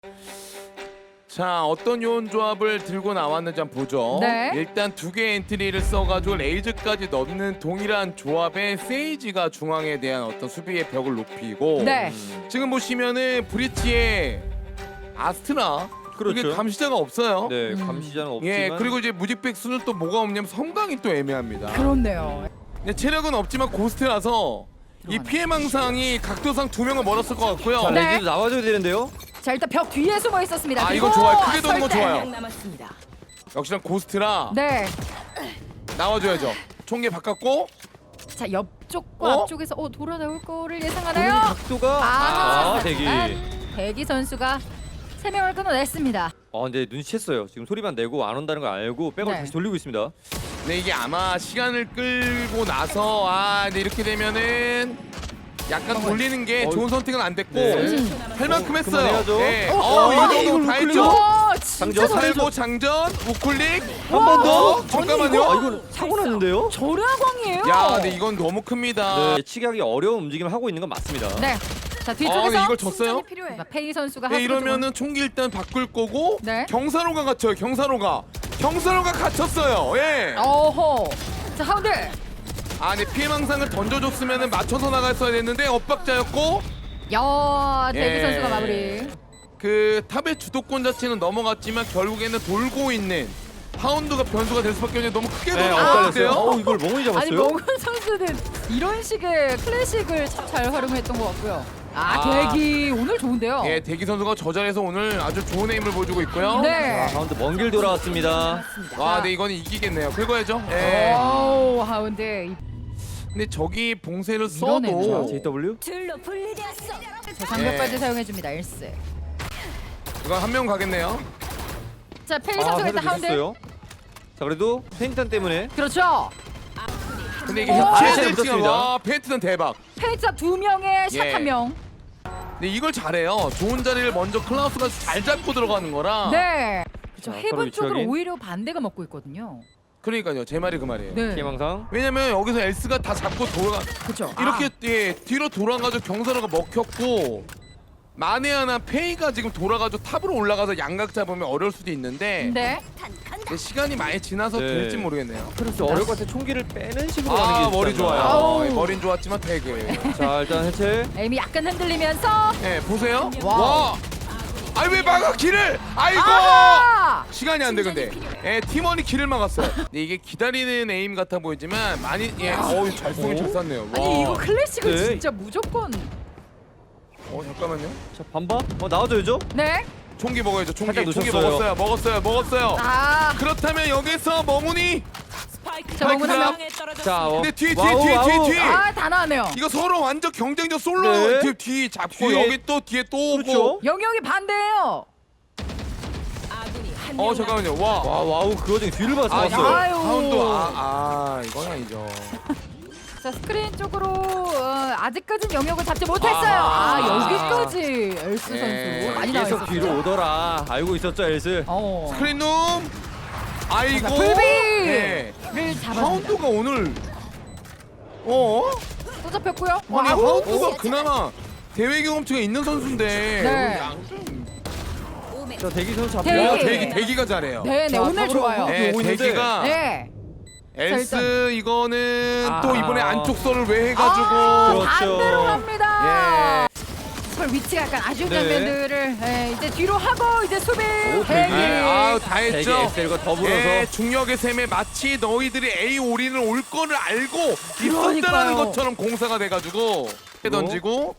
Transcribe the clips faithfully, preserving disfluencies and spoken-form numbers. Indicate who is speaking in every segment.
Speaker 1: 자, 어떤 요원 조합을 들고 나왔는지 한번 보죠.
Speaker 2: 네.
Speaker 1: 일단 두 개의 엔트리를 써가지고 레이즈까지 넣는 동일한 조합의 세이지가 중앙에 대한 어떤 수비의 벽을 높이고,
Speaker 2: 네.
Speaker 1: 지금 보시면은 브리치의 아스트라,
Speaker 3: 그렇죠.
Speaker 1: 이게 감시자가 없어요.
Speaker 3: 네,
Speaker 2: 음.
Speaker 3: 감시자는 없지만
Speaker 1: 예, 그리고 이제 무직백수는 또 뭐가 없냐면 섬광이 또 애매합니다.
Speaker 2: 그렇네요.
Speaker 1: 근데 체력은 없지만 고스트라서 이 피해망상이 각도상 두 명은 멀었을 것 같고요.
Speaker 3: 자,
Speaker 2: 네.
Speaker 3: 레이즈도 나와줘야 되는데요.
Speaker 2: 자, 일단 벽 뒤에 숨어 있었습니다.
Speaker 1: 아,
Speaker 2: 그리고
Speaker 1: 이거 좋아요. 크게 도는 거
Speaker 2: 설대.
Speaker 1: 좋아요.
Speaker 4: 남았습니다.
Speaker 1: 역시나 고스트라
Speaker 2: 네.
Speaker 1: 나와줘야죠. 총기 바꿨고,
Speaker 2: 자, 옆쪽과
Speaker 1: 어?
Speaker 2: 앞쪽에서 어, 돌아 나올 거를
Speaker 3: 보는
Speaker 2: 예상하나요?
Speaker 3: 각도가
Speaker 2: 아,
Speaker 3: 아, 대기. 아,
Speaker 2: 대기 선수가 세 명을 끊어냈습니다.
Speaker 3: 근데 눈치챘어요. 지금 소리만 내고 안 온다는 걸 알고 백을
Speaker 2: 네.
Speaker 3: 다시 돌리고 있습니다.
Speaker 1: 근데 이게 아마 시간을 끌고 나서 아, 근데 이렇게 되면은 약간 돌리는 게
Speaker 3: 어,
Speaker 1: 좋은 선택은 안 됐고
Speaker 3: 네.
Speaker 2: 음.
Speaker 1: 할 만큼
Speaker 3: 어,
Speaker 1: 했어요.
Speaker 3: 그만해야죠.
Speaker 1: 네.
Speaker 2: 어,
Speaker 1: 어,
Speaker 2: 어,
Speaker 1: 이 정도
Speaker 3: 이걸
Speaker 1: 다
Speaker 3: 우클릭.
Speaker 1: 했죠.
Speaker 2: 와, 진짜
Speaker 3: 장전
Speaker 2: 잘해줘.
Speaker 1: 살보 장전 우클릭.
Speaker 3: 한 번 더.
Speaker 1: 어, 잠깐만요.
Speaker 3: 아, 이건 사고 났는데요.
Speaker 2: 절야광이에요.
Speaker 1: 야, 근데 이건 너무 큽니다.
Speaker 3: 네, 예측하기 어려운 움직임을 하고 있는 건 맞습니다.
Speaker 2: 네. 자,
Speaker 1: 아,
Speaker 2: 뒤쪽에서
Speaker 1: 근데 이걸 졌어요?
Speaker 2: 자, 페이 선수가
Speaker 1: 네,
Speaker 2: 하수구
Speaker 1: 이러면은 총기 일단 바꿀 거고,
Speaker 2: 네.
Speaker 1: 경사로가 갇혀요. 경사로가 경사로가 갇혔어요. 예.
Speaker 2: 쪽으로. 어허. 자, 하운드.
Speaker 1: 아, 근데 피해망상을 던져줬으면은 맞춰서 나갔어야 됐는데 엇박자였고,
Speaker 2: 야, 대기
Speaker 1: 예.
Speaker 2: 선수가 마무리.
Speaker 1: 그 탑의 주도권 자체는 넘어갔지만 결국에는 돌고 있는 파운드가 변수가 될 수밖에 없는데 너무 크게
Speaker 3: 네,
Speaker 1: 돌아갔는데요.
Speaker 3: 엇갈렸어요. 어, 이걸 멍이 잡았어요.
Speaker 2: 아니, 멍은 선수는 이런 식의 클래식을 참 잘 활용했던 것 같고요. 아,
Speaker 1: 아.
Speaker 2: 대기 오늘 좋은데요.
Speaker 1: 예, 대기 선수가 저 자리에서 오늘 아주 좋은 에임을 보여주고 있고요.
Speaker 2: 네.
Speaker 3: 자, 가운데 먼 길 돌아왔습니다.
Speaker 1: 와, 네, 이거는 이기겠네요. 긁어야죠. 예.
Speaker 2: 오, 하운드.
Speaker 1: 근데 저기 봉쇄를
Speaker 2: 이러네요.
Speaker 1: 써도
Speaker 3: 자, 제이더블유.
Speaker 4: 둘로 분리되었어.
Speaker 2: 자, 장벽까지
Speaker 1: 예.
Speaker 2: 사용해줍니다. 일스.
Speaker 1: 이건 한 명 가겠네요.
Speaker 2: 자, 페이
Speaker 3: 아,
Speaker 2: 선수가
Speaker 3: 헤드
Speaker 2: 일단 하운드.
Speaker 3: 늦었어요. 자, 그래도 페인턴 때문에
Speaker 2: 그렇죠.
Speaker 1: 근데 이게
Speaker 2: 오!
Speaker 1: 해체될
Speaker 3: 아,
Speaker 1: 시간
Speaker 3: 붙었습니다.
Speaker 1: 와, 페인트는 대박.
Speaker 2: 페이자 두 명에 샷
Speaker 1: 예.
Speaker 2: 한 명.
Speaker 1: 근데 이걸 잘해요. 좋은 자리를 먼저 클라우스가 잘 잡고 들어가는 거라.
Speaker 2: 네. 그렇죠.
Speaker 3: 자,
Speaker 2: 해본
Speaker 3: 서로
Speaker 2: 쪽으로
Speaker 3: 위치하기.
Speaker 2: 오히려 반대가 먹고 있거든요.
Speaker 1: 그러니까요. 제 말이 그 말이에요.
Speaker 2: 네.
Speaker 3: 피해망상.
Speaker 1: 왜냐면 여기서 엘스가 다 잡고 돌아
Speaker 2: 그렇죠.
Speaker 1: 이렇게 예, 뒤로 돌아가지고 경사로가 먹혔고, 마네 하나 페이가 지금 돌아가지고 탑으로 올라가서 양각 잡으면 어려울 수도 있는데,
Speaker 2: 네.
Speaker 1: 근데 시간이 많이 지나서
Speaker 3: 네.
Speaker 1: 될지 모르겠네요.
Speaker 3: 그렇죠. 어려울 것 같아. 총기를 빼는 식으로
Speaker 1: 아,
Speaker 3: 하는 게
Speaker 1: 머리
Speaker 3: 있잖아.
Speaker 1: 좋아요.
Speaker 2: 아우.
Speaker 1: 예, 머린 좋았지만 되게.
Speaker 3: 자, 일단 해체.
Speaker 2: 에임이 약간 흔들리면서
Speaker 1: 예, 보세요.
Speaker 2: 와우.
Speaker 1: 와. 아니 왜 막아 길을? 아이고.
Speaker 2: 아하!
Speaker 1: 시간이 안 돼 근데. 예, 팀원이 길을 막았어요. 근데 이게 기다리는 에임 같아 보이지만 많이 예, 어우 잘 쏘긴 잘 쐈네요. 와.
Speaker 2: 아니 이거 클래식을
Speaker 3: 네.
Speaker 2: 진짜 무조건.
Speaker 1: 어 잠깐만요.
Speaker 3: 자, 반반. 어, 나와줘야죠.
Speaker 2: 네.
Speaker 1: 총기 먹어야죠. 총기.
Speaker 3: 살짝
Speaker 1: 총기
Speaker 3: 놓쳤어요.
Speaker 1: 먹었어요. 먹었어요. 먹었어요.
Speaker 2: 아.
Speaker 1: 그렇다면 여기서 멍훈이.
Speaker 4: 스파이크
Speaker 2: 자, 먹은 한 명.
Speaker 4: 중앙에 떨어졌습니다.
Speaker 3: 자, 어.
Speaker 1: 근데 뒤에 뒤에
Speaker 3: 와우,
Speaker 1: 뒤에 뒤에
Speaker 3: 와우.
Speaker 1: 뒤에.
Speaker 2: 아, 다 나왔네요.
Speaker 1: 이거 서로 완전 경쟁적 솔로.
Speaker 3: 네.
Speaker 1: 뒤, 뒤 잡고
Speaker 3: 뒤에.
Speaker 1: 여기 또 뒤에 또 오고.
Speaker 3: 그렇죠.
Speaker 2: 영역이 반대예요.
Speaker 4: 아군이 한
Speaker 1: 어
Speaker 4: 명
Speaker 1: 잠깐만요. 와.
Speaker 3: 와, 와우. 그 와중에 뒤를 봐서
Speaker 1: 아,
Speaker 3: 왔어요.
Speaker 2: 아유.
Speaker 1: 파운드. 아, 아 이건 아니죠.
Speaker 2: 자, 스크린 쪽으로 어, 아직까진 영역을 잡지 못했어요. 아,
Speaker 1: 아.
Speaker 2: 여기까지 엘스
Speaker 1: 예.
Speaker 2: 선수 많이 나와
Speaker 3: 계속
Speaker 2: 있었죠.
Speaker 3: 뒤로 오더라. 알고 있었죠, 엘스.
Speaker 2: 어.
Speaker 1: 스크린룸. 아이고.
Speaker 2: 자, 불비를
Speaker 1: 네.
Speaker 2: 잡았습니다.
Speaker 1: 파운드가 오늘. 어?
Speaker 2: 또 잡혔고요.
Speaker 1: 아니
Speaker 2: 와우.
Speaker 1: 하우드가 그나마 대회 경험치가 있는 선수인데.
Speaker 2: 네.
Speaker 4: 오멘.
Speaker 3: 자, 대기 선수 잡고.
Speaker 2: 대기.
Speaker 1: 와, 대기 대기가 잘해요.
Speaker 2: 네, 네,
Speaker 3: 자,
Speaker 2: 오늘
Speaker 3: 탑으로
Speaker 2: 좋아요.
Speaker 3: 네.
Speaker 1: 네,
Speaker 3: 오고 있는데.
Speaker 1: 대기가
Speaker 2: 네.
Speaker 1: 엘스 이거는
Speaker 3: 아.
Speaker 1: 또 이번에 안쪽 설을 왜 해가지고.
Speaker 2: 아,
Speaker 3: 그렇죠.
Speaker 2: 반대로 갑니다.
Speaker 1: 예.
Speaker 2: 설 위치가 약간 아쉬운
Speaker 3: 네.
Speaker 2: 장면들을 예, 이제 뒤로 하고 이제 수비
Speaker 3: 오,
Speaker 2: 대기.
Speaker 1: 네, 아우 다
Speaker 3: 대기
Speaker 1: 했죠.
Speaker 3: 엑셀과 더불어서.
Speaker 1: 예, 중력의 셈에 마치 너희들이 A 올인을 올 거를 알고
Speaker 2: 그러니까요.
Speaker 1: 있었다는 것처럼 공사가 돼가지고 던지고.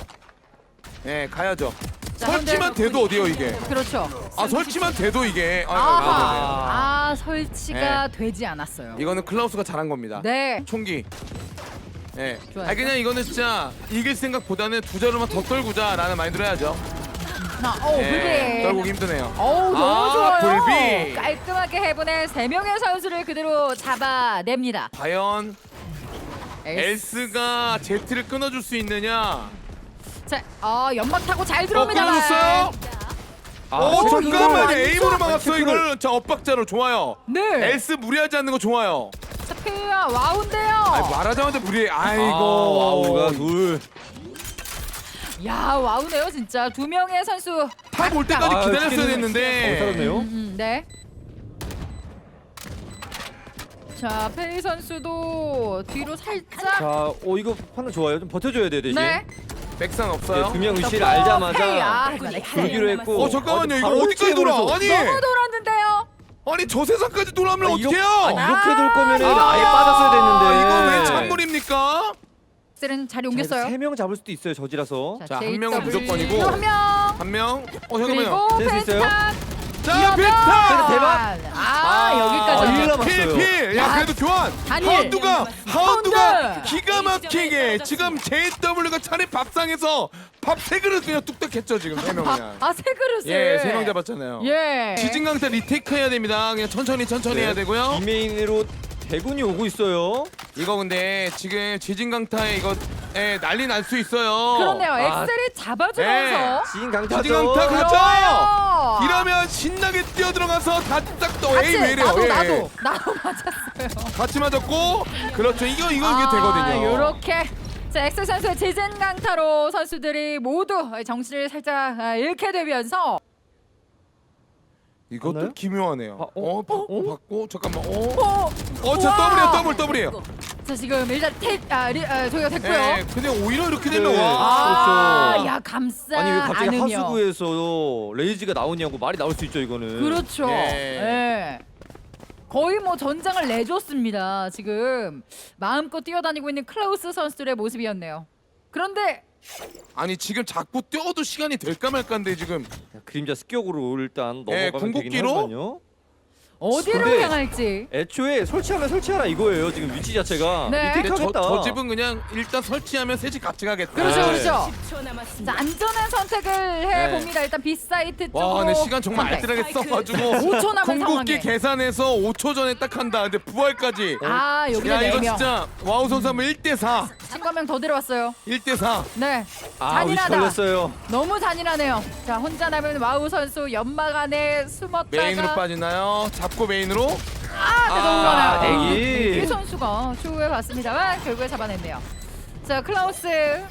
Speaker 1: 예, 가야죠.
Speaker 2: 자,
Speaker 1: 설치만
Speaker 2: 현재-
Speaker 1: 돼도 어디요 이게?
Speaker 2: 그렇죠.
Speaker 1: 아 설치만 돼도 이게. 아, 아,
Speaker 2: 아하.
Speaker 1: 아,
Speaker 2: 아, 설치가 되지 않았어요.
Speaker 1: 이거는 클라우스가 잘한 겁니다.
Speaker 2: 네.
Speaker 1: 총기. 예.
Speaker 2: 좋아요.
Speaker 1: 아 그냥 이거는 진짜 이길 생각보다는 두 자루만 더 떨구자라는 마인드로 해야죠.
Speaker 2: 아, 오,
Speaker 1: 예.
Speaker 2: 불비.
Speaker 1: 떨구기 힘드네요.
Speaker 2: 어우, 너무
Speaker 1: 아,
Speaker 2: 좋아요.
Speaker 1: 불비.
Speaker 2: 깔끔하게 해보낸 세 명의 선수를 그대로 잡아냅니다.
Speaker 1: 과연
Speaker 2: 엘스.
Speaker 1: 엘스가 제트를 끊어줄 수 있느냐?
Speaker 2: 자, 어, 연막 타고 잘
Speaker 1: 어,
Speaker 2: 들어옵니다.
Speaker 1: 끊어줬어요?
Speaker 3: 아,
Speaker 1: 어,
Speaker 2: 이거
Speaker 1: 잠깐만요.
Speaker 2: 완전
Speaker 1: 에임으로 막았어
Speaker 3: 체크를-
Speaker 1: 이걸. 자, 엇박자로 좋아요.
Speaker 2: 네.
Speaker 1: 엘스 무리하지 않는 거 좋아요.
Speaker 2: 자, 페이야 와운데요.
Speaker 1: 아니, 말하자마자 무리해. 아이고.
Speaker 3: 아, 와우가 둘.
Speaker 2: 야, 와우네요 진짜. 두 명의 선수
Speaker 1: 탑 올 때까지
Speaker 3: 아,
Speaker 1: 기다렸어야
Speaker 3: 튀기는-
Speaker 1: 됐는데.
Speaker 3: 어, 살았네요.
Speaker 2: 음, 음, 네. 자, 페이 선수도 뒤로 살짝.
Speaker 3: 자, 오 이거 판단 좋아요. 좀 버텨줘야 돼 대신.
Speaker 2: 네.
Speaker 1: 백상 없어요.
Speaker 3: 두 명 위치를
Speaker 2: 페이, 아,
Speaker 3: 알자마자
Speaker 2: 하지만
Speaker 3: 돌기로 했고.
Speaker 1: 어 잠깐만요.
Speaker 3: 어,
Speaker 1: 이거
Speaker 3: 바로
Speaker 1: 어디까지 돌아?
Speaker 3: 홀쭉으로
Speaker 1: 아니
Speaker 2: 너무 돌았는데요.
Speaker 1: 아니 저 세상까지 돌아오면
Speaker 3: 아, 이렇-
Speaker 1: 어떡해요?
Speaker 3: 아니, 이렇게 돌 거면은
Speaker 1: 아,
Speaker 3: 아예 빠졌어야 됐는데.
Speaker 1: 이거 왜 찬물입니까?
Speaker 2: 셀은 자리 옮겼어요.
Speaker 3: 세명 잡을 수도 있어요 저지라서.
Speaker 1: 자, 한 명은
Speaker 2: 제이더블유
Speaker 1: 무조건이고.
Speaker 2: 한 명.
Speaker 1: 한 명. 어 잠깐만요.
Speaker 2: 그리고
Speaker 3: 셀수 있어요?
Speaker 2: 펜스탄.
Speaker 1: 자 빅타.
Speaker 3: 대박!
Speaker 2: 아, 여기까지.
Speaker 3: 아, 일 남았어요.
Speaker 1: 필필. 야 그래도 교환.
Speaker 2: 단일.
Speaker 1: 하운드가 하운드가
Speaker 2: 하운드.
Speaker 1: 기가 막히게 지금 제이더블유가 차례 밥상에서 밥 세 그릇 그냥 뚝딱했죠 지금 세 명 그냥.
Speaker 2: 아, 세 그릇을.
Speaker 1: 예, 세 명 잡았잖아요.
Speaker 2: 예.
Speaker 1: 지진강타 리테이크 해야 됩니다. 그냥 천천히 천천히 해야 되고요.
Speaker 3: 이메인으로 대군이 오고 있어요.
Speaker 1: 이거 근데 지금 지진강타에 이거 예, 난리 날 수 있어요.
Speaker 2: 그렇네요.
Speaker 3: 아.
Speaker 2: 엑셀이 잡아주면서.
Speaker 3: 지인 강타죠.
Speaker 1: 지진강타 가자.
Speaker 2: 그래요.
Speaker 1: 이러면 신나게 뛰어 들어가서 다딱또
Speaker 2: 같이
Speaker 1: 에이 왜래요?
Speaker 2: 나도
Speaker 1: 예,
Speaker 2: 나도
Speaker 1: 예.
Speaker 2: 나도 맞았어요.
Speaker 1: 같이 맞았고 그렇죠. 이거 이거
Speaker 2: 아,
Speaker 1: 이게 되거든요.
Speaker 2: 요렇게 자 엑셀 선수의 지진 강타로 선수들이 모두 정신을 살짝 아, 잃게 되면서
Speaker 1: 이것도
Speaker 3: 맞나요?
Speaker 1: 기묘하네요.
Speaker 3: 아,
Speaker 1: 어,
Speaker 3: 어?
Speaker 1: 받고
Speaker 3: 어?
Speaker 1: 받고 잠깐만. 어,
Speaker 2: 어,
Speaker 1: 어, 저
Speaker 2: 우와.
Speaker 1: 더블이에요, 더블 더블이에요.
Speaker 2: 자 지금 일단 테 아, 리, 아 저기가 됐고요.
Speaker 1: 예, 근데 오히려 이렇게 되면
Speaker 3: 네.
Speaker 1: 와.
Speaker 2: 아,
Speaker 3: 그렇죠.
Speaker 2: 야 감싸
Speaker 3: 아니 왜 갑자기
Speaker 2: 않으며.
Speaker 3: 하수구에서 레이지가 나오냐고 말이 나올 수 있죠 이거는.
Speaker 2: 그렇죠.
Speaker 1: 예.
Speaker 2: 예. 거의 뭐 전장을 내줬습니다. 지금 마음껏 뛰어다니고 있는 클라우스 선수들의 모습이었네요. 그런데
Speaker 1: 아니 지금 자꾸 뛰어도 시간이 될까 말까인데 지금
Speaker 3: 자, 그림자 습격으로 일단
Speaker 1: 예,
Speaker 3: 넘어가면 되긴
Speaker 1: 궁극기로?
Speaker 3: 하거든요.
Speaker 2: 어디로
Speaker 3: 근데-
Speaker 2: 향할지.
Speaker 3: 애초에 설치하면 설치하라 이거예요 지금 위치 자체가.
Speaker 2: 네.
Speaker 1: 근데 저,
Speaker 3: 리테이크하겠다.
Speaker 1: 저 집은 그냥 일단 설치하면 셋이 같이 가겠다.
Speaker 2: 그렇죠,
Speaker 3: 네.
Speaker 2: 그렇죠.
Speaker 4: 십 초 남았습니다.
Speaker 2: 자 안전한 선택을 해봅니다. 일단 B 사이트 쪽으로.
Speaker 1: 와, 근데 시간 정말
Speaker 2: 선택.
Speaker 1: 알뜰하게 써가지고
Speaker 2: 오 초 남은
Speaker 1: 궁극기
Speaker 2: 상황에.
Speaker 1: 계산해서 오 초 전에 딱 한다. 근데 부활까지.
Speaker 2: 아 여기는
Speaker 1: 야 이거
Speaker 2: 네 명.
Speaker 1: 진짜 와우 선수 하면 일 대 사.
Speaker 2: 친구 한 명 더 들어왔어요.
Speaker 1: 일 대 사.
Speaker 2: 네.
Speaker 3: 아 위치
Speaker 2: 잔인하다.
Speaker 3: 걸렸어요.
Speaker 2: 너무 잔인하네요. 자 혼자 남은 와우 선수 연막 안에 숨었다가
Speaker 1: 메인으로 빠지나요? 잡고 메인으로.
Speaker 2: 아, 네, 너무
Speaker 1: 아,
Speaker 2: 많아요.
Speaker 3: 대기.
Speaker 2: 이 선수가 추후에 봤습니다만 결국에 잡아냈네요. 자 클라우스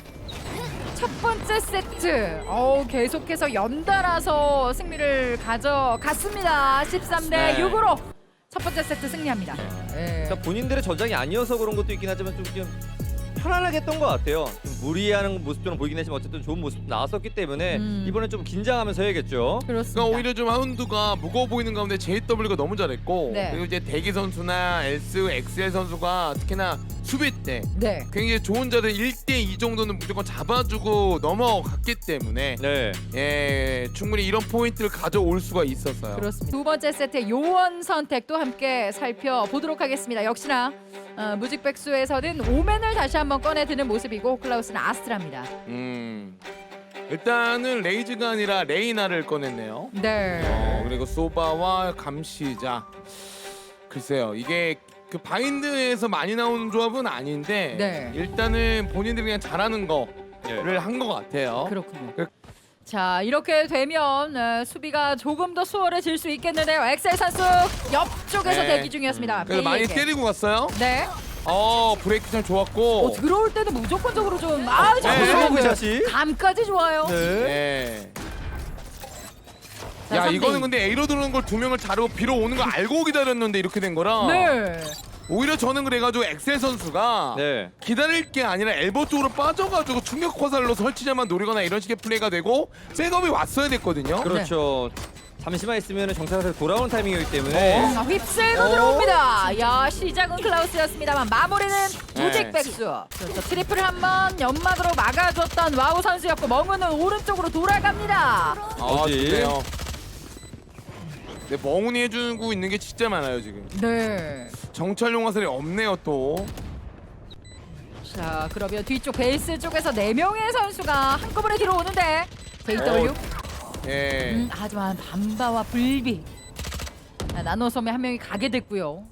Speaker 2: 첫 번째 세트. 어우 계속해서 연달아서 승리를 가져갔습니다. 십삼 대
Speaker 1: 네.
Speaker 2: 육으로 첫 번째 세트 승리합니다. 네.
Speaker 3: 그러니까 본인들의 전장이 아니어서 그런 것도 있긴 하지만 좀, 좀 편안하게 했던 것 같아요. 좀 무리하는 모습처럼 보이긴 했지만 어쨌든 좋은 모습 나왔었기 때문에
Speaker 2: 음.
Speaker 3: 이번엔 좀 긴장하면서 해야겠죠.
Speaker 2: 그렇습니다.
Speaker 1: 그러니까 오히려 좀 하운드가 무거워 보이는 가운데 제이더블유가 너무 잘했고
Speaker 2: 네.
Speaker 1: 그리고 이제 대기 선수나 엘스, 엑스엘 선수가 특히나 수비 때
Speaker 2: 네.
Speaker 1: 굉장히 좋은 자리 일 대 이 정도는 무조건 잡아주고 넘어갔기 때문에
Speaker 3: 네.
Speaker 1: 예 충분히 이런 포인트를 가져올 수가 있었어요.
Speaker 2: 그렇습니다. 두 번째 세트의 요원 선택도 함께 살펴보도록 하겠습니다. 역시나 어, 무직백수에서는 오맨을 다시 한번 꺼내드는 모습이고 클라우스는 아스트라입니다.
Speaker 1: 음 일단은 레이즈가 아니라 레이나를 꺼냈네요.
Speaker 2: 네.
Speaker 1: 어, 그리고 소바와 감시자. 글쎄요 이게 그 바인드에서 많이 나오는 조합은 아닌데
Speaker 2: 네.
Speaker 1: 일단은 본인들이 그냥 잘하는 거를 한 것 같아요.
Speaker 2: 그렇군요.
Speaker 1: 그-
Speaker 2: 자 이렇게 되면 어, 수비가 조금 더 수월해질 수 있겠는데요. 엑셀 선수 옆쪽에서
Speaker 1: 네.
Speaker 2: 대기 중이었습니다.
Speaker 1: 그래서 많이
Speaker 2: 베이에게.
Speaker 1: 때리고 갔어요.
Speaker 2: 네.
Speaker 1: 어 브레이크 참 좋았고.
Speaker 2: 어, 들어올 때는 무조건적으로 좀 아,
Speaker 1: 네.
Speaker 2: 잘
Speaker 3: 서브
Speaker 2: 들어오는데.
Speaker 3: 샷이.
Speaker 2: 감까지 좋아요.
Speaker 3: 네.
Speaker 1: 네.
Speaker 2: 자,
Speaker 1: 야
Speaker 2: 삼 대
Speaker 1: 이거는
Speaker 2: 이.
Speaker 1: 근데 A로 들어오는 걸 두 명을 자르고 B로 오는 거 알고 기다렸는데 이렇게 된 거라.
Speaker 2: 네.
Speaker 1: 오히려 저는 그래가지고 엑셀 선수가
Speaker 3: 네.
Speaker 1: 기다릴 게 아니라 엘보 쪽으로 빠져가지고 충격 화살로 설치자만 노리거나 이런 식의 플레이가 되고 백업이 왔어야 됐거든요.
Speaker 3: 그렇죠. 잠시만 있으면 정찰에서 돌아오는 타이밍이기 때문에
Speaker 1: 어?
Speaker 2: 자, 휩쓸고
Speaker 3: 어?
Speaker 2: 들어옵니다. 야 시작은 클라우스였습니다만 마무리는
Speaker 1: 네.
Speaker 2: 무직백수. 그렇죠. 트리플을 한번 연막으로 막아줬던 와우 선수였고 멍우는 오른쪽으로 돌아갑니다.
Speaker 1: 아
Speaker 3: 어디?
Speaker 1: 좋네요. 네, 멍운이 해주고 있는 게 진짜 많아요 지금.
Speaker 2: 네.
Speaker 1: 정찰용 화살이 없네요 또.
Speaker 2: 자 그러면 뒤쪽 베이스 쪽에서 네 명의 선수가 한꺼번에 뒤로 오는데 제이더블유.
Speaker 1: 예.
Speaker 2: 음, 하지만 밤바와 불비. 자, 나노섬에 한 명이 가게 됐고요.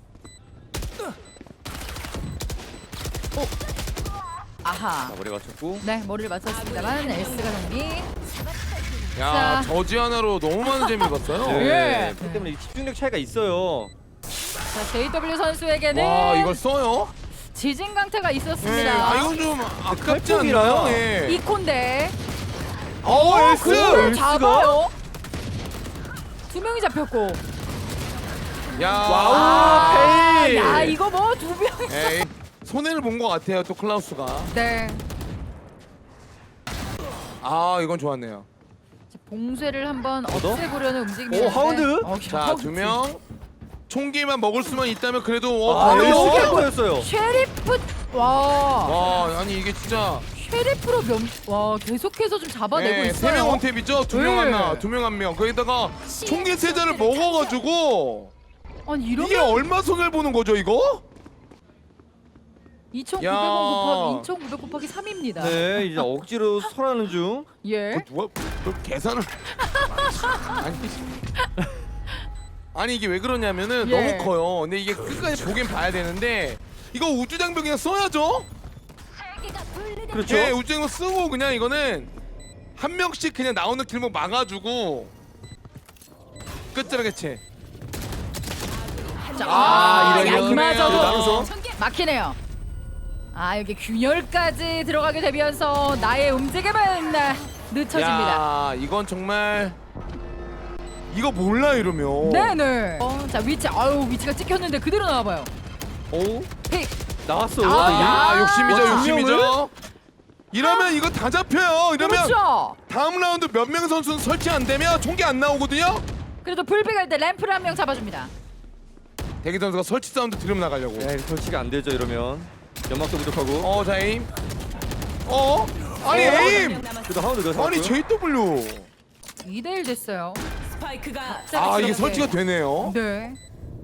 Speaker 2: 오. 아하.
Speaker 3: 자, 머리 맞췄고.
Speaker 2: 네 머리를 맞췄습니다만 에스가 정리.
Speaker 1: 야
Speaker 2: 자.
Speaker 1: 저지 하나로 너무 많은 재미를 봤어요.
Speaker 3: 네.
Speaker 2: 예.
Speaker 3: 그렇기 때문에 이 집중력 차이가 있어요.
Speaker 2: 자 제이더블유 선수에게는
Speaker 1: 와 이걸 써요?
Speaker 2: 지진 강타가
Speaker 1: 예.
Speaker 2: 있었습니다.
Speaker 1: 아 이건 좀 아깝지
Speaker 3: 칼폭이라요?
Speaker 1: 않나요? 예.
Speaker 2: 이콘데.
Speaker 1: 어 엘스.
Speaker 2: 그걸
Speaker 3: 엘스가?
Speaker 2: 잡아요. 명이 잡혔고.
Speaker 1: 야,
Speaker 3: 와우,
Speaker 2: 아,
Speaker 3: 페이.
Speaker 2: 야 이거 뭐 두 명.
Speaker 1: 에이, 손해를 본 것 같아요. 또 클라우스가.
Speaker 2: 네.
Speaker 1: 아, 이건 좋았네요.
Speaker 2: 자, 봉쇄를 한번
Speaker 3: 더?
Speaker 2: 없애보려는 움직임이었는데.
Speaker 3: 오, 하운드?
Speaker 2: 어,
Speaker 1: 자,
Speaker 2: 하운드.
Speaker 1: 두 명. 총기만 먹을 수만 있다면 그래도 어,
Speaker 3: 아,
Speaker 1: 어,
Speaker 3: 이거
Speaker 1: 어,
Speaker 3: 쉽게 거였어요.
Speaker 2: 쉐리프. 와.
Speaker 1: 와, 아니 이게 진짜
Speaker 2: 쉐리프로 면. 와 계속해서 좀 잡아내고
Speaker 1: 네,
Speaker 2: 있어요.
Speaker 1: 세명 원탭이죠. 두 명
Speaker 2: 네.
Speaker 1: 하나, 두 명 한 명. 거기다가 총기 세자를 먹어가지고
Speaker 2: 아니
Speaker 1: 이게
Speaker 2: 이러면
Speaker 1: 얼마 손해를 보는 거죠, 이거?
Speaker 2: 이천구백
Speaker 1: 야.
Speaker 2: 원 곱하기 이천구백 곱하기 삼입니다.
Speaker 3: 네, 이제 억지로 설하는 중.
Speaker 2: 예.
Speaker 1: 그 누가 그 계산을 아니 아니 이게 왜 그러냐면은
Speaker 2: 예.
Speaker 1: 너무 커요. 근데 이게 끝까지 보긴 봐야 되는데 이거 우주장벽 그냥 써야죠.
Speaker 3: 그렇죠.
Speaker 1: 예, 우주장벽 쓰고 그냥 이거는 한 명씩 그냥 나오는 길목 막아주고 끝자락 해체.
Speaker 2: 자,
Speaker 1: 아,
Speaker 2: 아,
Speaker 1: 이거
Speaker 2: 야
Speaker 1: 이거네요.
Speaker 2: 이마저도
Speaker 3: 나눠서.
Speaker 2: 막히네요. 아 여기 균열까지 들어가게 되면서 나의 움직임은 늦춰집니다.
Speaker 1: 야, 이건 정말 이거 몰라 이러면.
Speaker 2: 네네. 어, 자 위치, 아유 위치가 찍혔는데 그대로 나와봐요.
Speaker 3: 오,
Speaker 2: 픽.
Speaker 3: 나왔어요.
Speaker 2: 아,
Speaker 3: 아,
Speaker 1: 야, 욕심이죠,
Speaker 3: 와,
Speaker 1: 욕심이죠. 이러면 이거 다 잡혀요. 이러면
Speaker 2: 그렇죠.
Speaker 1: 다음 라운드 몇 명 선수는 설치 안 되면 총기 안 나오거든요.
Speaker 2: 그래도 불빛 갈 때 램프를 한 명 잡아줍니다.
Speaker 1: 대기 선수가 설치 사운드 들으면 나가려고.
Speaker 3: 네, 설치가 안 되죠 이러면. 연막도 부족하고.
Speaker 1: 어, 자 에임. 어? 아니
Speaker 3: 어?
Speaker 1: 에임.
Speaker 3: 그래도 하운드 더
Speaker 1: 아니 제이더블유.
Speaker 2: 이 대 일 됐어요.
Speaker 4: 스파이크가
Speaker 1: 아 이게 설치가 되네요.
Speaker 2: 네.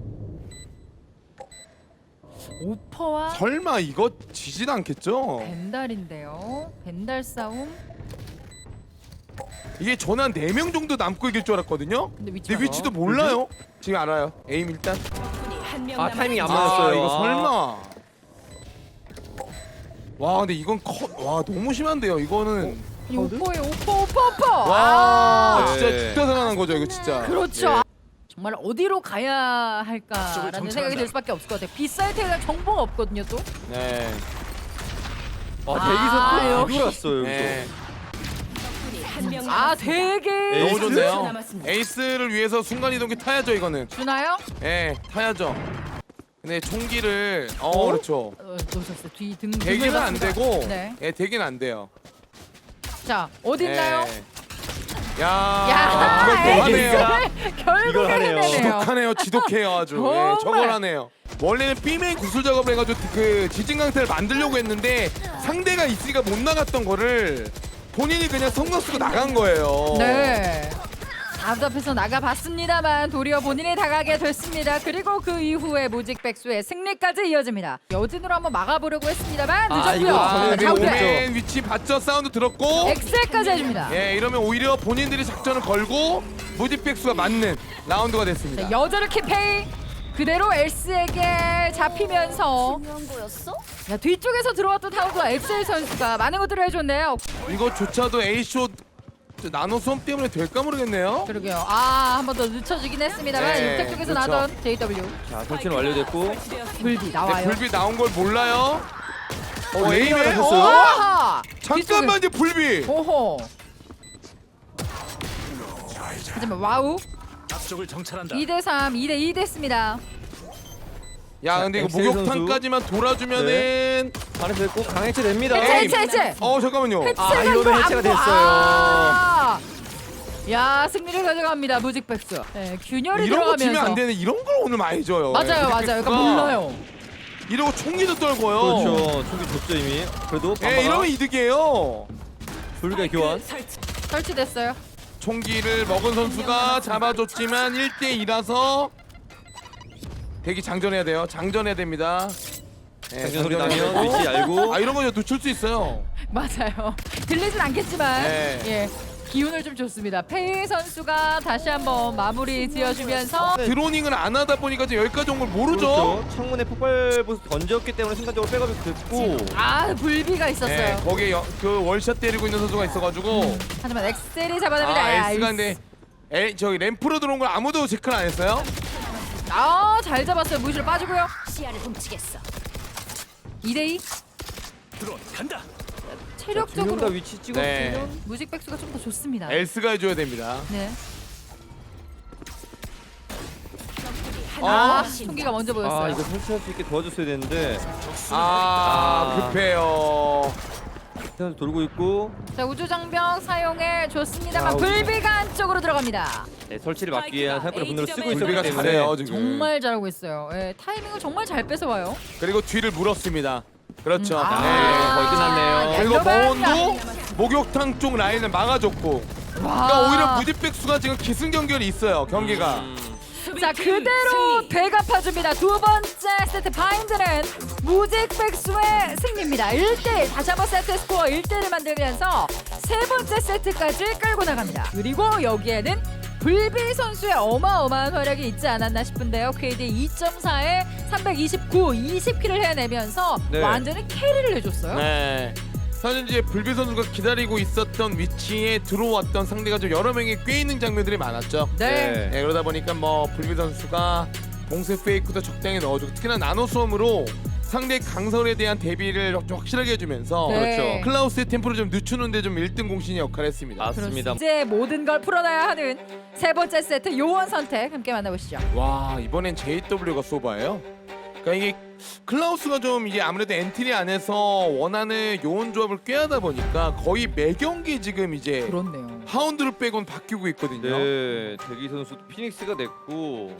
Speaker 2: 오퍼와
Speaker 1: 설마 이거 지진 않겠죠?
Speaker 2: 벤달인데요. 벤달 싸움.
Speaker 1: 이게 전 한 네 명 정도 남고 이길 줄 알았거든요.
Speaker 2: 근데 위치가
Speaker 1: 내 위치도 몰라요. 지금 알아요. 에임 일단.
Speaker 4: 한명
Speaker 3: 아, 타이밍이 안
Speaker 1: 아
Speaker 3: 맞았어요.
Speaker 1: 이거
Speaker 3: 아.
Speaker 1: 설마. 와 근데 이건 컷. 와 너무 심한데요. 이거는.
Speaker 2: 이 오퍼에 오퍼 오퍼 오퍼.
Speaker 1: 와
Speaker 2: 아,
Speaker 1: 진짜
Speaker 3: 네.
Speaker 1: 죽다 살아난 거죠 이거 진짜.
Speaker 2: 그렇죠.
Speaker 1: 예.
Speaker 2: 정말 어디로 가야 할까라는 생각이 들 수밖에 없을 것 같아요. B 사이트에 대한 정보가 없거든요 또.
Speaker 1: 네.
Speaker 3: 아,
Speaker 2: 아,
Speaker 3: 대기선 또
Speaker 2: 역시.
Speaker 3: 돌았어요.
Speaker 1: 네.
Speaker 4: 한명
Speaker 2: 아 되게
Speaker 3: 에이스?
Speaker 1: 너무 좋네요.
Speaker 4: 남았습니다.
Speaker 1: 에이스를 위해서 순간 이동기 타야죠 이거는.
Speaker 2: 주나요?
Speaker 1: 예, 타야죠. 근데 총기를 어,
Speaker 3: 어?
Speaker 1: 그렇죠.
Speaker 2: 어, 놓쳤어요. 뒤등
Speaker 1: 대기는 안 되고,
Speaker 2: 네.
Speaker 1: 예, 대기는 안 돼요.
Speaker 2: 자 어디 있나요?
Speaker 1: 예. 야,
Speaker 2: 야,
Speaker 1: 이걸 또
Speaker 3: 에이스가?
Speaker 1: 하네요.
Speaker 2: 결국에
Speaker 3: 이걸 하네요.
Speaker 2: 해내네요.
Speaker 1: 지독하네요, 지독해요 아주. 예,
Speaker 2: 정말.
Speaker 1: 저걸 하네요. 원래는 B메인 구슬 작업을 해가지고 그 지진 강태를 만들려고 했는데 상대가 있으니까 못 나갔던 거를 본인이 그냥 성공 쓰고 나간 거예요.
Speaker 2: 네. 답답해서 나가봤습니다만 도리어 본인이 당하게 됐습니다. 그리고 그 이후에 무직 백수의 승리까지 이어집니다. 여진으로 한번 막아보려고 했습니다만
Speaker 3: 아,
Speaker 2: 늦었고요.
Speaker 3: 이거
Speaker 2: 자,
Speaker 3: 당연히
Speaker 2: 좌우대
Speaker 1: 오맨 위치 봤죠? 사운드 들었고.
Speaker 2: 엑셀까지 해줍니다.
Speaker 1: 예, 이러면 오히려 본인들이 작전을 걸고 무디백수가 맞는 라운드가 됐습니다.
Speaker 2: 자, 여전히 키페이 그대로 엘스에게 잡히면서 야, 뒤쪽에서 들어왔던 타우가 엑셀 선수가 많은 것들을 해줬네요.
Speaker 1: 이거조차도 A쇼 나노 수험 때문에 될까 모르겠네요.
Speaker 2: 그러게요. 아, 한 번 더 늦춰지긴 했습니다만
Speaker 1: 네,
Speaker 2: 육택 쪽에서
Speaker 1: 그렇죠.
Speaker 2: 나던 제이더블유
Speaker 3: 자, 설치는 완료됐고.
Speaker 2: 불비
Speaker 1: 근데
Speaker 2: 나와요.
Speaker 1: 불비 나온 걸 몰라요. 어,
Speaker 3: 레이나
Speaker 1: 에임에
Speaker 3: 잡혔어요?
Speaker 1: 어?
Speaker 2: 아하!
Speaker 1: 잠깐만 이제 불비.
Speaker 2: 오호. 하지만 와우.
Speaker 5: 앞쪽을 정찰한다.
Speaker 2: 이 대 삼, 이 대 이 됐습니다.
Speaker 1: 야, 근데 이거
Speaker 3: 엑셀
Speaker 1: 목욕탕까지만 돌아주면은
Speaker 3: 안에서 됐고 강해체 됩니다.
Speaker 2: 해체,
Speaker 1: 에이.
Speaker 2: 해체, 해체.
Speaker 1: 어, 잠깐만요.
Speaker 2: 해체가
Speaker 3: 아, 이러면
Speaker 2: 이거 안
Speaker 3: 해체가
Speaker 2: 보-
Speaker 3: 됐어요.
Speaker 2: 아! 야, 승리를 가져갑니다. 무직백수. 네, 균열이
Speaker 1: 이런 거
Speaker 2: 들어가면서.
Speaker 1: 지면 안 되는 이런 걸 오늘 많이 줘요.
Speaker 2: 맞아요,
Speaker 1: 예,
Speaker 2: 맞아요.
Speaker 1: 무디백수가.
Speaker 2: 그러니까 몰라요.
Speaker 1: 이러고 총기도 떨고요.
Speaker 3: 그렇죠. 총기 줬죠 이미. 그래도
Speaker 1: 예,
Speaker 3: 빵빵아.
Speaker 1: 이러면 이득이에요.
Speaker 3: 불가 교환.
Speaker 4: 설치.
Speaker 2: 설치됐어요.
Speaker 1: 총기를 먹은 선수가 잡아줬지만 일 대 이라서 대기 장전해야 돼요. 장전해야 됩니다. 예,
Speaker 3: 장전 소리
Speaker 1: 장전해야
Speaker 3: 나면
Speaker 1: 되고.
Speaker 3: 위치 알고.
Speaker 1: 아 이런 거 놓칠 수 있어요.
Speaker 2: 맞아요. 들리진 않겠지만
Speaker 1: 네.
Speaker 2: 예 기운을 좀 줬습니다. 페이 선수가 다시 한번 마무리 지어주면서
Speaker 1: 드로닝을 안 하다 보니까 지금 여기까지 온 걸 모르죠.
Speaker 3: 그렇죠. 창문에 폭발 보스 던졌기 때문에 순간적으로 백업이 됐고.
Speaker 2: 아 불비가 있었어요.
Speaker 1: 네, 거기에 여, 그 월샷 때리고 있는 선수가 있어가지고
Speaker 2: 하지만 엑셀이 잡아냅니다.
Speaker 1: 아
Speaker 2: 야,
Speaker 1: S가
Speaker 2: 이-
Speaker 1: 근데 에, 저기 램프로 들어온 걸 아무도 체크를 안 했어요.
Speaker 2: 아, 잘 잡았어요. 무시로 빠지고요.
Speaker 4: 시야를 훔치겠어.
Speaker 2: 이 대 이.
Speaker 5: 드론 간다.
Speaker 3: 두 명 다
Speaker 2: 체력적으로
Speaker 3: 위치 찍었으면
Speaker 1: 네.
Speaker 2: 무직 백수가 좀 더 좋습니다.
Speaker 1: S가 해줘야 됩니다.
Speaker 2: 네. 아,
Speaker 4: 명
Speaker 2: 총기가 먼저 보였어요.
Speaker 3: 아 이거 설치할 수 있게 도와줬어야 되는데
Speaker 1: 아,
Speaker 3: 아.
Speaker 1: 급해요.
Speaker 3: 일단 돌고 있고
Speaker 2: 자, 우주장벽 사용해 줬습니다만
Speaker 3: 아,
Speaker 2: 불비가 안쪽으로 들어갑니다.
Speaker 3: 네, 설치를 막기 위한 사건의 분노를 쓰고 있었기
Speaker 1: 불비가
Speaker 3: 때문에
Speaker 1: 잘해요 지금.
Speaker 2: 정말 잘하고 있어요. 예, 타이밍을 정말 잘 뺏어와요.
Speaker 1: 그리고 뒤를 물었습니다. 그렇죠.
Speaker 2: 음, 아.
Speaker 3: 네, 거의 끝났네요.
Speaker 1: 그리고
Speaker 2: 옐로우가
Speaker 1: 머원도 목욕탕 쪽 라인을 막아줬고, 그러니까 오히려 무지백수가 지금 기승전결이 있어요 경기가.
Speaker 3: 음,
Speaker 2: 자, 그대로 되갚아줍니다. 두 번째 세트 바인드는 무직백수의 승리입니다. 일 대 일. 다시 한번 세트 스코어 일 대 일을 만들면서 세 번째 세트까지 끌고 나갑니다. 그리고 여기에는 불비 선수의 어마어마한 활약이 있지 않았나 싶은데요. 케이디 이 점 사에 삼백이십구, 이십 킬을 해내면서
Speaker 3: 네.
Speaker 2: 완전히 캐리를 해줬어요.
Speaker 1: 네. 사실 이제 불비 선수가 기다리고 있었던 위치에 들어왔던 상대가 좀 여러 명이 꽤 있는 장면들이 많았죠.
Speaker 2: 네.
Speaker 1: 네, 그러다 보니까 뭐 불비 선수가 봉쇄 페이크도 적당히 넣어주고, 특히나 나노 수험으로 상대 강설에 대한 대비를 좀 확실하게 해주면서
Speaker 2: 네.
Speaker 3: 그렇죠.
Speaker 1: 클라우스의 템포를 좀 늦추는데 좀 일 등 공신의 역할을 했습니다.
Speaker 3: 맞습니다.
Speaker 2: 이제 모든 걸 풀어놔야 하는 세 번째 세트 요원 선택 함께 만나보시죠.
Speaker 1: 와, 이번엔 제이더블유가 소바예요. 그러니까 이게 클라우스가 좀 이게 아무래도 엔트리 안에서 원하는 요원 조합을 꾀하다 보니까 거의 매 경기 지금 이제
Speaker 2: 그렇네요.
Speaker 1: 하운드를 빼곤 바뀌고 있거든요.
Speaker 3: 네, 대기 선수도 피닉스가 됐고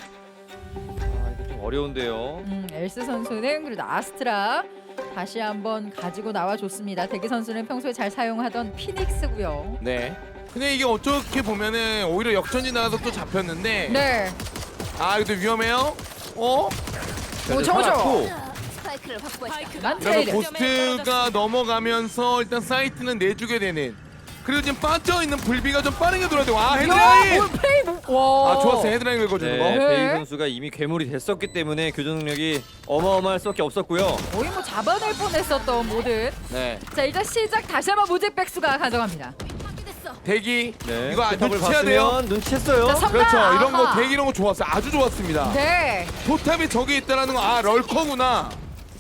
Speaker 3: 아 이거 좀 어려운데요.
Speaker 2: 음, 엘스 선수는 그래도 아스트라 다시 한번 가지고 나와줬습니다. 대기 선수는 평소에 잘 사용하던 피닉스고요.
Speaker 1: 네. 근데 이게 어떻게 보면은 오히려 역전이 나가서 또 잡혔는데,
Speaker 2: 네.
Speaker 1: 아 이거 되게 위험해요. 어?
Speaker 2: 오, 저거 저거.
Speaker 4: 스파이크를 확보했다.
Speaker 2: 만
Speaker 1: 그러면
Speaker 2: 트레이드.
Speaker 1: 고스트가 넘어가면서 일단 사이트는 내주게 되는. 그리고 지금 빠져 있는 불비가 좀 빠르게 돌아야 되고, 아 헤드라인.
Speaker 2: 뭘 플레이 뭐- 와.
Speaker 1: 아 좋았어요, 헤드라인 긁어주는
Speaker 3: 네,
Speaker 1: 거.
Speaker 2: 네.
Speaker 3: 베이 선수가 이미 괴물이 됐었기 때문에 교전 능력이 어마어마할 수밖에 없었고요.
Speaker 2: 거의 뭐 잡아낼 뻔했었던 모든.
Speaker 1: 네.
Speaker 2: 자, 일단 시작 다시 한번 무직백수가 가져갑니다.
Speaker 1: 대기.
Speaker 3: 네,
Speaker 1: 이거 아,
Speaker 3: 포탑을
Speaker 1: 눈치채야 돼요.
Speaker 3: 봤으면 눈치챘어요.
Speaker 2: 자, 선-
Speaker 1: 그렇죠.
Speaker 2: 아하.
Speaker 1: 이런 거 대기 이런 거 좋았어요. 아주 좋았습니다.
Speaker 2: 네.
Speaker 1: 포탑이 저기 있다라는 거, 아 럴커구나.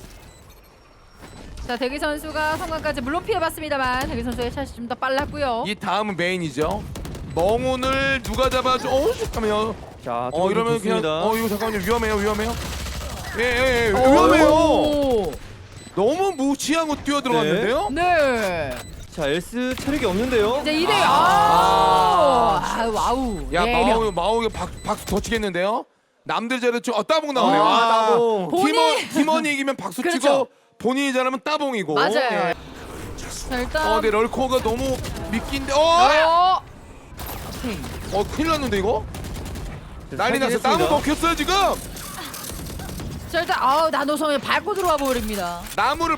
Speaker 2: 자, 대기 선수가 성광까지 물론 피해봤습니다만 대기 선수의 샷이 좀 더 빨랐고요.
Speaker 1: 이 다음은 메인이죠. 멍운을 누가 잡아줘? 어 잠깐만요.
Speaker 3: 자,
Speaker 1: 어 이러면 그냥
Speaker 3: 좋습니다.
Speaker 1: 어 이거 잠깐만요. 위험해요, 위험해요. 예예 예,
Speaker 2: 오.
Speaker 1: 위험해요. 너무 무시하고 뛰어 들어갔는데요.
Speaker 2: 네.
Speaker 3: 자, 엘스 체력이 없는데요.
Speaker 2: 이제 이 대 일.
Speaker 1: 아.
Speaker 2: 아, 아, 와우.
Speaker 1: 야
Speaker 2: 네 명.
Speaker 1: 마오 마오가 박 박수 더 치겠는데요. 남들 잘했죠. 아 따봉 나오네요.
Speaker 3: 아,
Speaker 1: 아 따봉.
Speaker 3: 따봉.
Speaker 2: 본인-
Speaker 1: 팀원 팀원이 이기면 박수
Speaker 2: 그렇죠.
Speaker 1: 치고 본인이 잘하면 따봉이고.
Speaker 2: 맞아요.
Speaker 1: 예.
Speaker 2: 자, 일단.
Speaker 1: 어, 근데 럴커가 너무 미끼인데. 어,
Speaker 2: 어. 오케이.
Speaker 1: 어 큰일 났는데 이거. 난리 났어.
Speaker 3: 했습니다.
Speaker 1: 나무 먹혔어요 지금.
Speaker 2: 자, 일단 아우 나노섬에 밟고 들어와 버립니다.
Speaker 1: 나무를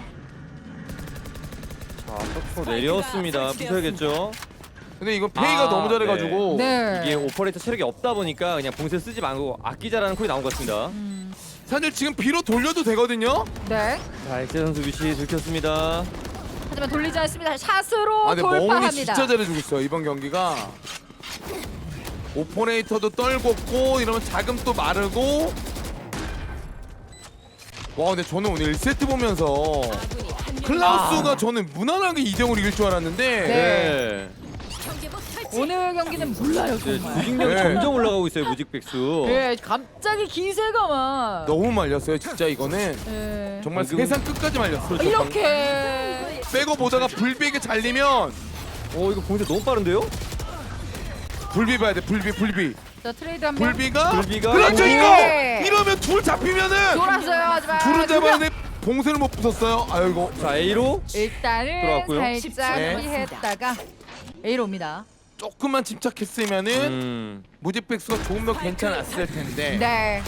Speaker 3: 자, 서포 내렸습니다. 부셔야겠죠.
Speaker 1: 근데 이거 페이가
Speaker 3: 아,
Speaker 1: 너무 잘해가지고.
Speaker 2: 네.
Speaker 3: 이게 오퍼레이터 체력이 없다 보니까 그냥 봉쇄 쓰지 말고 아끼자라는 콜이 나온 것 같습니다.
Speaker 2: 음,
Speaker 1: 사실 지금 비로 돌려도 되거든요.
Speaker 2: 네.
Speaker 3: 자, 엑세 선수 위치 들켰습니다.
Speaker 2: 하지만 돌리지 않습니다. 샷으로
Speaker 1: 아 근데 멍운이
Speaker 2: 돌파합니다.
Speaker 1: 진짜 잘해주고 있어요 이번 경기가. 오퍼레이터도 떨궜고 이러면 자금 또 마르고. 와 근데 저는 오늘 일 세트 보면서
Speaker 4: 아군이 한 명.
Speaker 1: 클라우스가 저는 무난하게 이 대 영으로 이길 줄 알았는데.
Speaker 2: 네.
Speaker 4: 경계복 설치.
Speaker 2: 오늘 경기는 몰라요
Speaker 3: 네,
Speaker 2: 정말.
Speaker 3: 조직력이
Speaker 1: 네.
Speaker 3: 점점 올라가고 있어요, 무직백수.
Speaker 2: 네, 갑자기 기세가만.
Speaker 1: 너무 말렸어요 진짜 이거는.
Speaker 2: 네.
Speaker 1: 정말
Speaker 3: 방금-
Speaker 1: 세상 끝까지 말렸어.
Speaker 3: 그렇죠.
Speaker 2: 이렇게.
Speaker 1: 빼고 보다가 불비에게 잘리면
Speaker 3: 어, 이거 봉쇄 너무 빠른데요?
Speaker 1: 불비 봐야 돼. 불비 불비.
Speaker 2: 자, 트레이드 한 명.
Speaker 1: 불비가.
Speaker 3: 불비가-
Speaker 1: 그렇죠
Speaker 2: 네.
Speaker 1: 이거. 이러면 둘 잡히면은
Speaker 2: 돌았어요. 하지만
Speaker 1: 둘은
Speaker 2: 두
Speaker 1: 잡아야
Speaker 2: 명.
Speaker 1: 돼. 봉쇄를 못 부쉈어요. 아이고.
Speaker 3: 자, A로
Speaker 2: 일단은
Speaker 3: 들어왔고요.
Speaker 2: 살짝
Speaker 1: 네.
Speaker 2: 피했다가 A로 옵니다.
Speaker 1: 조금만 침착했으면은
Speaker 3: 음.
Speaker 1: 무직백수가 조금 더 괜찮았을 텐데.
Speaker 2: 네.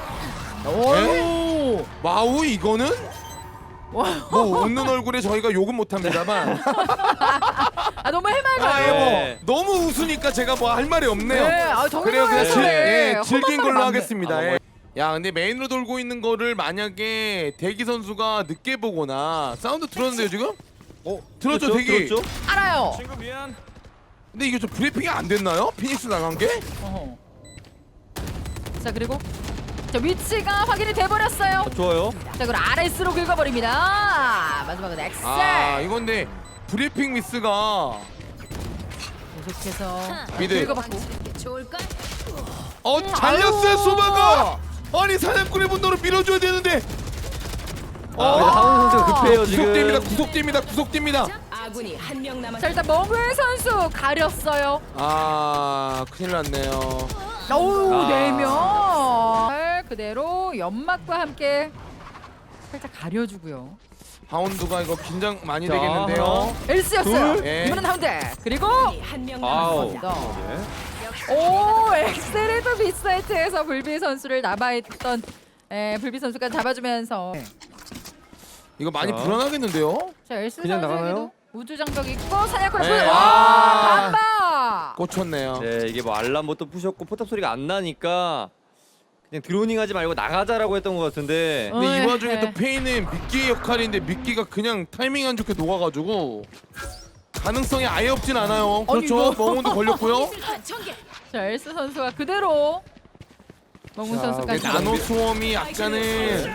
Speaker 1: 오. 마우 이거는
Speaker 2: 와.
Speaker 1: 뭐 웃는 얼굴에 저희가 욕은 못합니다만.
Speaker 2: 아 너무
Speaker 1: 아,
Speaker 2: 해맑아요.
Speaker 1: 예, 뭐
Speaker 3: 네.
Speaker 1: 너무 웃으니까 제가 뭐 할 말이 없네요.
Speaker 2: 네, 아, 정말
Speaker 1: 그래요, 그냥 즐,
Speaker 2: 네.
Speaker 1: 예, 즐긴
Speaker 2: 험한
Speaker 1: 걸로
Speaker 2: 말이
Speaker 1: 하겠습니다.
Speaker 3: 많네.
Speaker 1: 예. 야, 근데 메인으로 돌고 있는 거를 만약에 대기 선수가 늦게 보거나 사운드 들었는데요 지금?
Speaker 3: 어,
Speaker 1: 들었죠,
Speaker 3: 들었죠?
Speaker 1: 대기?
Speaker 3: 들었죠?
Speaker 2: 알아요.
Speaker 5: 친구 미안.
Speaker 1: 근데 이게 좀 브리핑이 안 됐나요? 피닉스 나간 게?
Speaker 2: 어허. 자 그리고 자 위치가 확인이 돼버렸어요.
Speaker 3: 아, 좋아요.
Speaker 2: 자 그리고 아레스로 긁어버립니다. 마지막은 엑셀.
Speaker 1: 아, 이건데 브리핑 미스가
Speaker 2: 계속해서
Speaker 1: 미드.
Speaker 2: 긁어받고.
Speaker 4: 좋을걸?
Speaker 1: 어 잘렸어요
Speaker 2: 아유.
Speaker 1: 소바가. 아니 사냥꾼의 분노를 밀어줘야 되는데.
Speaker 3: 아, 하원 선수가 급해요
Speaker 1: 구속됩니다.
Speaker 3: 지금.
Speaker 1: 구속됩니다. 구속됩니다.
Speaker 4: 아군이 한 명 남았.
Speaker 2: 자 일단 멍을 선수 가렸어요.
Speaker 1: 아 큰일 났네요.
Speaker 2: 오우
Speaker 3: 아.
Speaker 2: 네 명. 그대로 연막과 함께 살짝 가려주고요.
Speaker 1: 하운드가 이거 긴장 많이
Speaker 3: 자,
Speaker 1: 되겠는데요.
Speaker 2: 엘스였어요.
Speaker 3: 둘.
Speaker 1: 예.
Speaker 2: 이번엔 하운드. 그리고
Speaker 4: 한명
Speaker 3: 아우.
Speaker 4: 남았습니다.
Speaker 3: 네.
Speaker 2: 오 엑셀에도 빅사이트에서 불비 선수를 남아있던 에, 불비 선수가 잡아주면서
Speaker 1: 이거 많이
Speaker 3: 자.
Speaker 1: 불안하겠는데요.
Speaker 2: 자 엘스
Speaker 3: 그냥
Speaker 2: 선수에게도
Speaker 3: 나가나요?
Speaker 2: 우주 장벽 있고 사냥꾼
Speaker 1: 네.
Speaker 2: 네.
Speaker 1: 아.
Speaker 2: 와 반박.
Speaker 1: 꽂혔네요.
Speaker 3: 네, 이게 뭐 알람부터 부셨고 포탑 소리가 안 나니까 그냥 드로닝하지 말고 나가자라고 했던 것 같은데.
Speaker 2: 어.
Speaker 1: 근데 이 와중에
Speaker 2: 네.
Speaker 1: 또 페이는 미끼의 역할인데 미끼가 그냥 타이밍 안 좋게 녹아가지고 가능성이 아예 없진 않아요.
Speaker 2: 아니,
Speaker 1: 그렇죠.
Speaker 2: 이거-
Speaker 1: 멍운도 걸렸고요.
Speaker 4: 미술관 전개.
Speaker 2: 자 엘스 선수가 그대로 멍문
Speaker 3: 자,
Speaker 2: 선수까지.
Speaker 3: 우리
Speaker 1: 나노 수험이 약간은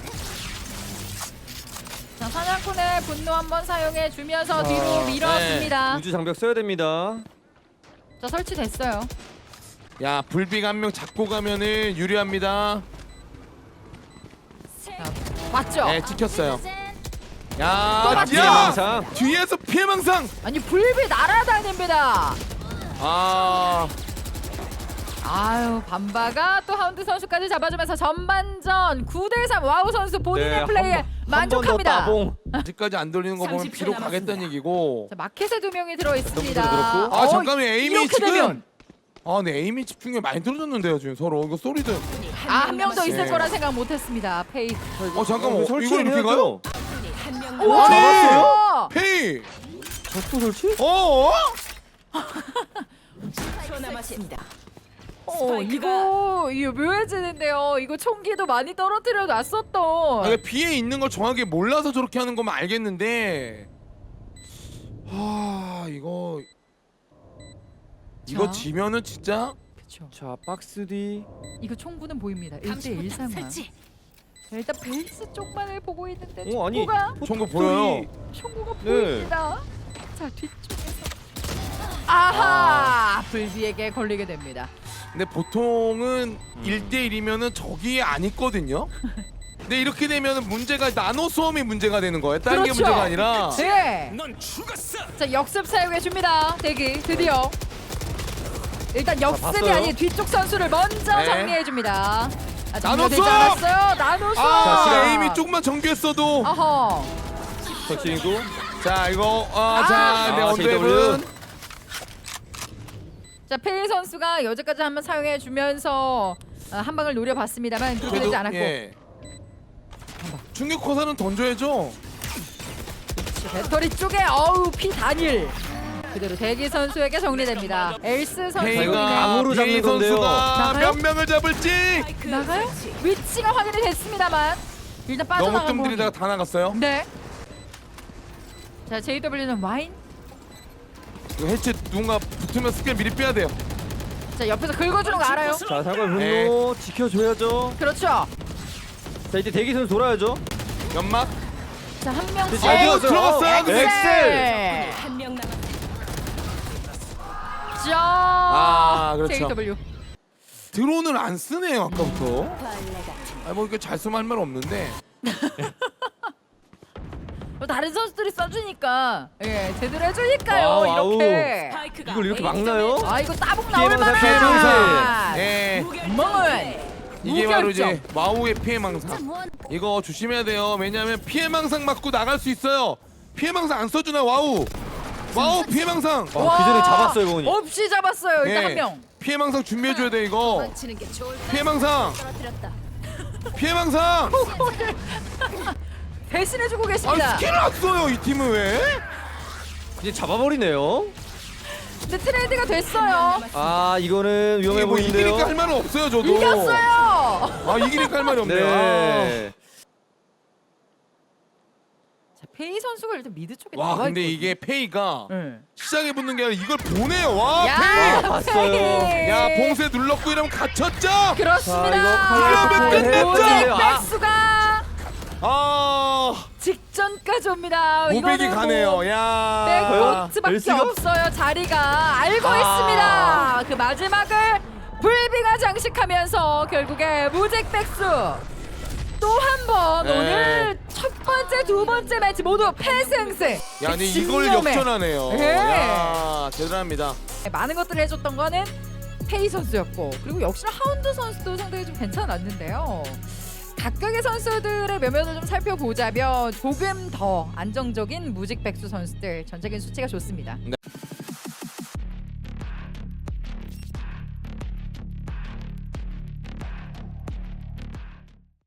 Speaker 2: 자 사냥꾼의 분노 한번 사용해 주면서
Speaker 1: 아,
Speaker 2: 뒤로 밀었습니다.
Speaker 3: 우주 장벽 써야 됩니다.
Speaker 2: 자 설치됐어요.
Speaker 1: 야 불비가 한 명 잡고 가면은 유리합니다.
Speaker 2: 맞죠?
Speaker 1: 네 찍혔어요.
Speaker 2: 또
Speaker 1: 야,
Speaker 2: 맞죠?
Speaker 1: 야
Speaker 3: 피해망상.
Speaker 1: 뒤에서 피해망상.
Speaker 2: 아니 불비 날아다닙니다.
Speaker 1: 아
Speaker 2: 아유 반바가 또 하운드 선수까지 잡아주면서 전반전 구 대 삼 와우 선수 본인의
Speaker 3: 네,
Speaker 2: 플레이에
Speaker 3: 한 번-
Speaker 2: 만족합니다.
Speaker 3: 한번 더 따봉.
Speaker 1: 아직까지 안 돌리는 거 보면
Speaker 4: 삼십 초
Speaker 1: 비록 가겠다는
Speaker 4: 남았습니다.
Speaker 1: 얘기고.
Speaker 2: 자 마켓에 두 명이 들어 있습니다.
Speaker 3: 들었고.
Speaker 1: 아
Speaker 2: 어,
Speaker 1: 잠깐만 에임이
Speaker 2: 이렇게
Speaker 1: 지금.
Speaker 2: 되면
Speaker 1: 아, 네 에임이 집중력 많이 떨어졌는데요 지금 서로 이거 소리도.
Speaker 2: 아 한 명 더 있을
Speaker 1: 네.
Speaker 2: 거라 생각 못했습니다. 페이.
Speaker 1: 어 잠깐만 어, 이걸 이렇게
Speaker 3: 설치해야죠.
Speaker 1: 가요?
Speaker 4: 한명
Speaker 2: 오,
Speaker 1: 아니!
Speaker 2: 잡았어요.
Speaker 1: 페이.
Speaker 3: 적도 설치?
Speaker 1: 어?
Speaker 4: 초 남았습니다.
Speaker 2: 어
Speaker 4: 스파이크가-
Speaker 2: 이거 이거 묘해지는데요. 이거 총기도 많이 떨어뜨려 놨었던.
Speaker 1: 아, 비에 있는 걸 정확히 몰라서 저렇게 하는 거면 알겠는데. 아 이거 이거
Speaker 2: 자.
Speaker 1: 지면은 진짜.
Speaker 2: 그렇죠.
Speaker 3: 자, 박스 뒤.
Speaker 2: 이거 총구는 보입니다. 일 대 일 상황.
Speaker 4: 설치.
Speaker 2: 자, 일단 벨스 쪽만을 보고 있는데
Speaker 3: 어, 아니.
Speaker 2: 총구가
Speaker 1: 총구 보여요.
Speaker 2: 총구가
Speaker 3: 네.
Speaker 2: 보입니다. 자 뒤쪽에서 아하 불비에게 걸리게 됩니다.
Speaker 1: 근데 보통은
Speaker 3: 음.
Speaker 1: 일 대 일이면은 저기 안 있거든요. 근데 이렇게 되면은 문제가 나노 수험이 문제가 되는 거예요. 다른 게
Speaker 2: 그렇죠.
Speaker 1: 문제가 아니라.
Speaker 2: 네.
Speaker 5: 넌 죽었어.
Speaker 2: 자 역습 사용해 줍니다. 대기 드디어. 일단 역습이
Speaker 3: 봤어요.
Speaker 2: 아닌 뒤쪽 선수를 먼저
Speaker 1: 네.
Speaker 2: 정리해 줍니다. 아,
Speaker 1: 나노
Speaker 2: 정리되지
Speaker 1: 수업!
Speaker 2: 않았어요. 나노 수업.
Speaker 1: 아,
Speaker 3: 시간.
Speaker 1: 에임이 조금만 정교했어도.
Speaker 2: 어허.
Speaker 3: 설치고.
Speaker 1: 자 이거 아,
Speaker 2: 아.
Speaker 1: 자, 네
Speaker 3: 아,
Speaker 1: 언더앱은
Speaker 3: 제이더블유.
Speaker 2: 자 페이 선수가 여기까지 한번 사용해 주면서 아, 한 방을 노려봤습니다만 그렇게 되지 않았고
Speaker 1: 예. 충격 화살은 던져야죠.
Speaker 2: 배터리 쪽에 어우 피 단일 그대로 대기 선수에게 정리됩니다. 엘스 선수
Speaker 1: 페이가
Speaker 3: 감으로 잡는
Speaker 1: 페이
Speaker 3: 건데요.
Speaker 1: 선수가
Speaker 2: 나가요?
Speaker 1: 몇 명을 잡을지
Speaker 4: 스파이크
Speaker 2: 나가요?
Speaker 4: 설치.
Speaker 2: 위치가 확인이 됐습니다만 일단
Speaker 1: 너무
Speaker 2: 빠져나가고
Speaker 1: 뜸들이다가 다 나갔어요.
Speaker 2: 네. 자 제이더블유는 와인.
Speaker 1: 이거 해체 누군가 붙으면 스킬 미리 빼야 돼요.
Speaker 2: 자 옆에서 긁어주는 거 알아요?
Speaker 3: 자, 상관 분노
Speaker 1: 네.
Speaker 3: 지켜줘야죠.
Speaker 2: 그렇죠.
Speaker 3: 자, 이제 대기 선수 돌아야죠.
Speaker 1: 연막.
Speaker 2: 자 한 명씩.
Speaker 3: 잘
Speaker 1: 아이고,
Speaker 3: 들어갔어요.
Speaker 1: 들어갔어요. 근데.
Speaker 2: 엑셀.
Speaker 4: 한명 남았습니다.
Speaker 2: 자.
Speaker 1: 아, 그렇죠.
Speaker 2: 제이더블유.
Speaker 1: 드론을 안 쓰네요 아까부터.
Speaker 4: 벌레 같은.
Speaker 1: 아뭐 이렇게 잘 쓰면 할 말 없는데.
Speaker 2: 뭐 다른 선수들이 써주니까 예 제대로 해주니까요
Speaker 3: 와우, 와우.
Speaker 2: 이렇게.
Speaker 4: 스파이크가
Speaker 3: 이걸 이렇게
Speaker 4: A
Speaker 3: 막나요?
Speaker 2: 아 이거 따봉
Speaker 3: 피해
Speaker 2: 나올
Speaker 3: 망상, 피해
Speaker 2: 만한.
Speaker 1: 예.
Speaker 2: 멍은
Speaker 1: 이게 바로
Speaker 2: 무결점.
Speaker 1: 이제 와우의 피해망상. 이거 조심해야 돼요. 왜냐하면 피해망상 맞고 나갈 수 있어요. 피해망상 안 써주나 와우. 와우 피해망상.
Speaker 3: 아, 그 전에 잡았어요, 이거니.
Speaker 2: 없이 잡았어요 일단
Speaker 1: 예.
Speaker 2: 한 명.
Speaker 1: 피해망상 준비해줘야 돼 이거.
Speaker 4: 맞히는 게 좋을 것
Speaker 1: 피해망상.
Speaker 4: 떨어뜨렸다.
Speaker 1: 피해망상.
Speaker 2: 대신해주고
Speaker 1: 아니
Speaker 2: 계십니다.
Speaker 1: 스킬을 안 써요 이 팀은 왜?
Speaker 3: 이제 잡아버리네요.
Speaker 2: 근데 트레이드가 됐어요.
Speaker 3: 아, 이거는
Speaker 1: 이게
Speaker 3: 위험해
Speaker 1: 뭐
Speaker 3: 보이는데요.
Speaker 1: 이기니까 할 말은 없어요 저도.
Speaker 2: 이겼어요.
Speaker 1: 아 이기니까 할 말이 없네요.
Speaker 3: 네.
Speaker 2: 자 페이 선수가 일단 미드 쪽에
Speaker 1: 와
Speaker 2: 나와
Speaker 1: 근데
Speaker 2: 있거든요.
Speaker 1: 이게 페이가
Speaker 2: 네.
Speaker 1: 시작에 붙는 게 아니라 이걸 보내요. 와
Speaker 2: 야,
Speaker 1: 페이.
Speaker 3: 봤어요.
Speaker 2: 페이.
Speaker 1: 야 봉쇄 눌렀고 이러면 갇혔죠.
Speaker 2: 그렇습니다.
Speaker 3: 자, 이거 칼날
Speaker 1: 이러면 끝냈죠.
Speaker 2: 오직
Speaker 3: 아.
Speaker 2: 백수가
Speaker 1: 아
Speaker 2: 직전까지 옵니다.
Speaker 1: 오백이
Speaker 2: 이거는
Speaker 1: 가네요.
Speaker 2: 뭐
Speaker 1: 야.
Speaker 2: 백코트밖에
Speaker 3: 엘씨가?
Speaker 2: 없어요. 자리가 알고
Speaker 3: 아.
Speaker 2: 있습니다. 그 마지막을 불비가 장식하면서 결국에 무직백수 또 한 번
Speaker 1: 네.
Speaker 2: 오늘 첫 번째, 두 번째 매치 모두 패승승.
Speaker 1: 야, 근데 이걸
Speaker 2: 진념에.
Speaker 1: 역전하네요.
Speaker 2: 네.
Speaker 1: 야, 대단합니다.
Speaker 2: 많은 것들을 해줬던 거는 페이 선수였고 그리고 역시나 하운드 선수도 상당히 좀 괜찮았는데요. 각각의 선수들의 면면을 좀 살펴보자면 조금 더 안정적인 무직백수 선수들 전적인 수치가 좋습니다.